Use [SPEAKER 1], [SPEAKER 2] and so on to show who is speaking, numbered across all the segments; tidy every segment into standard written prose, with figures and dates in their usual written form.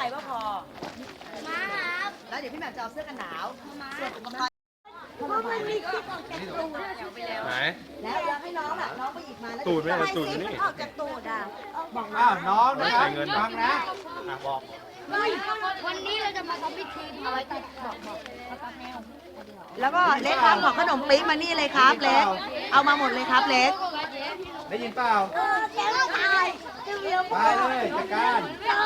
[SPEAKER 1] ว่าพอมาครับแล้วเดี๋ยวพี่แหม่มจะเอาเสื้อกันหนาวส่วนอุปกรณ์มันมีคลิปออกจากตูดไหนแล้วให้น้องน้องไปหยิบมาแล้วตูดไม่ตูดนี่ออกจากตูดบอก
[SPEAKER 2] น้องใส่เงินฟังนะบอก
[SPEAKER 3] วันนี้เราจะมาทำพิธีเอาไว้ตัดบอก
[SPEAKER 1] แล้วก็เล็กครับของขนมปิ๊กมานี่เลยครับเล็กเอามาหมดเลยครับเล็ก
[SPEAKER 2] ได้ยินเปล่า
[SPEAKER 3] แกไม่ตาย
[SPEAKER 2] ไปเลยจัดการ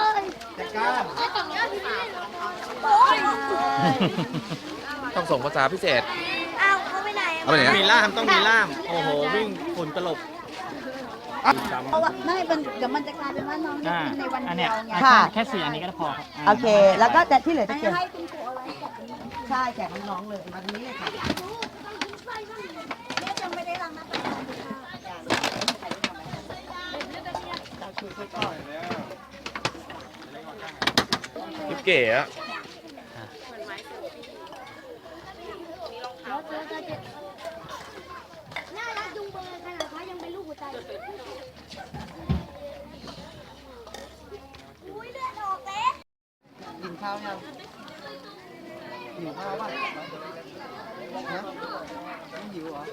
[SPEAKER 4] ต้องส่งภาษาพิเศษ
[SPEAKER 3] เขาไปไหน
[SPEAKER 4] เอาไปไหน
[SPEAKER 2] มีล่ามต้องมีล่ามโอ้โหวิ่งฝุ่นตลบ
[SPEAKER 3] เพราะว่าไม่เดี๋ยวมันจะกลายเป็นว่าน้องได้กินในวันเดียวไง
[SPEAKER 1] แค่4 อันนี้ก็พอครับโอเคแล้วก็แต่ที่เหลือจะเก็บ
[SPEAKER 3] ให้คุณครูเอาไว้
[SPEAKER 1] ใช่แจกน้องๆเลยมาตรงนี้เลยค่ะ
[SPEAKER 3] ยังไม่ได้ล้างหน้าตา
[SPEAKER 4] คลิปเก๋อะ
[SPEAKER 3] น่ารักจุงเบยขนาดเขายังเป็นลูกหัวใจอุ้ยเลือดออกเลย
[SPEAKER 1] กินข้าวยังหิวข้าวป่ะไม่หิวเหรอ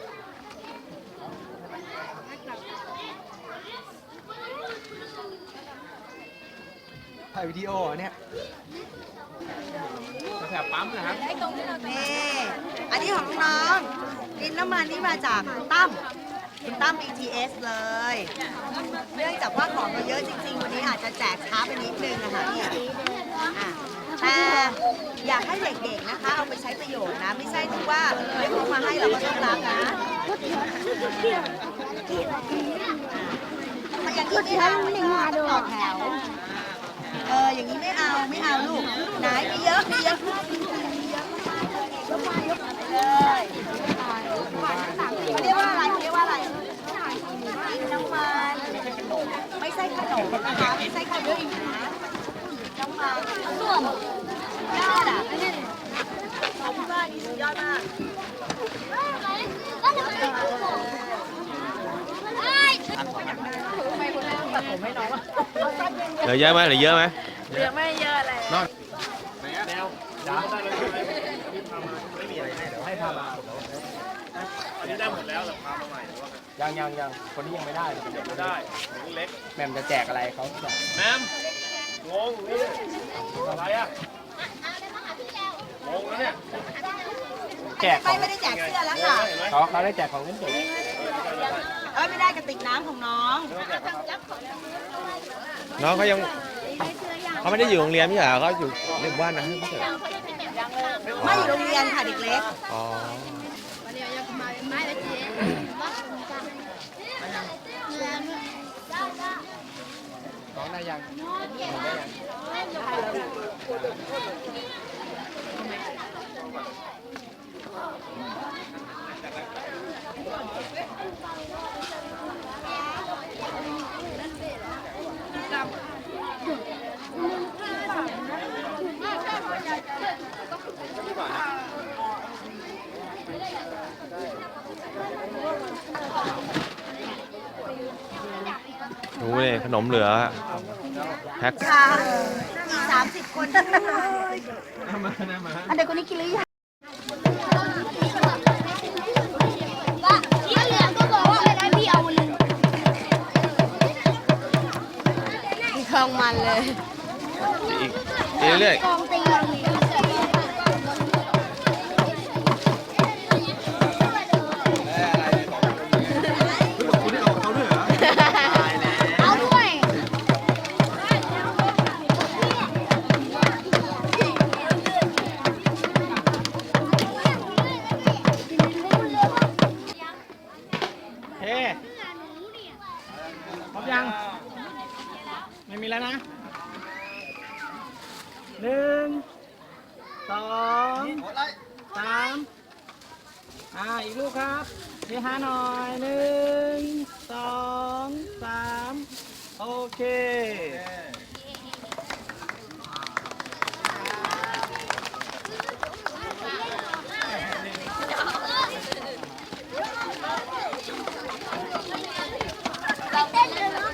[SPEAKER 1] ถ่ายวิดีโอเนี่ย
[SPEAKER 2] แถบปั๊มนะครับ
[SPEAKER 1] นี่อันนี้ของน้องดินน้ำมันนี่มาจากคุณตั้ม BTS เลยเนื่องจากว่าของเราเยอะจริงๆวันนี้อาจจะแจกช้าไปนิดนึงนะคะเนี่ยแต่อยากให้เด็กๆนะคะเอาไปใช้ประโยชน์นะไม่ใช่ที่ว่าเรียกมาให้เราก็ต้องรับนะอย่างนี้ไม่เอาต่อแถวอย่างนี้ไม่เอาลูกไหนมีเยอะเลยเรียกว่าอะไรน้ำมันไม่ใช่ขนมนะคะไม่ใช่ขนมน้ำมันส่วนยอดของพี่บ้านนี่สุดยอดมาก
[SPEAKER 4] เหลือเยอะไหม
[SPEAKER 1] เหลือไม่เยอะเลย
[SPEAKER 2] นอนแนวจ้าได้เลยไม่มีอะไรให้เดี๋ยวให้พามาอันนี้ได้หมดแล้วแต่พามาใหม่ยังคนนี้ยังไม่ได้ไม่ได้เล็กแมมจะแจกอะไรเขาแมมงงนี่อะไรอ่ะงงแล้วเนี่ยแจก
[SPEAKER 1] ไม่ได้แจกเสื้อแล้วค่ะ
[SPEAKER 2] เขาได้แจกของเล่นเด็ก
[SPEAKER 1] ไม่ได้กระติกน้ำของน้อง
[SPEAKER 4] เขายังเขาไม่ได้อยู่โรงเรียนไม่ใช่เหรอเขาอยู่ในบ้านนะไม่ใช่
[SPEAKER 1] ไม่อยู่โรงเรียนค่ะเด็กเล็ก
[SPEAKER 4] อ๋อ
[SPEAKER 2] น้องได้ยัง
[SPEAKER 4] ดูเลยขนมเหลือแพ็ค
[SPEAKER 1] อีก30 คน
[SPEAKER 3] อันเด็กคนนี้กินหรือยังว่าที่เหลือก็บอกว่าอะไรพี่เอาเลย
[SPEAKER 1] มีคลองมันเลย
[SPEAKER 4] อีกเรื่อย
[SPEAKER 3] กองตี
[SPEAKER 2] พร้อมยังไม่มีแล้วนะ1 2 3อีกลูกครับเฮฮาหน่อย1 2 3โอเค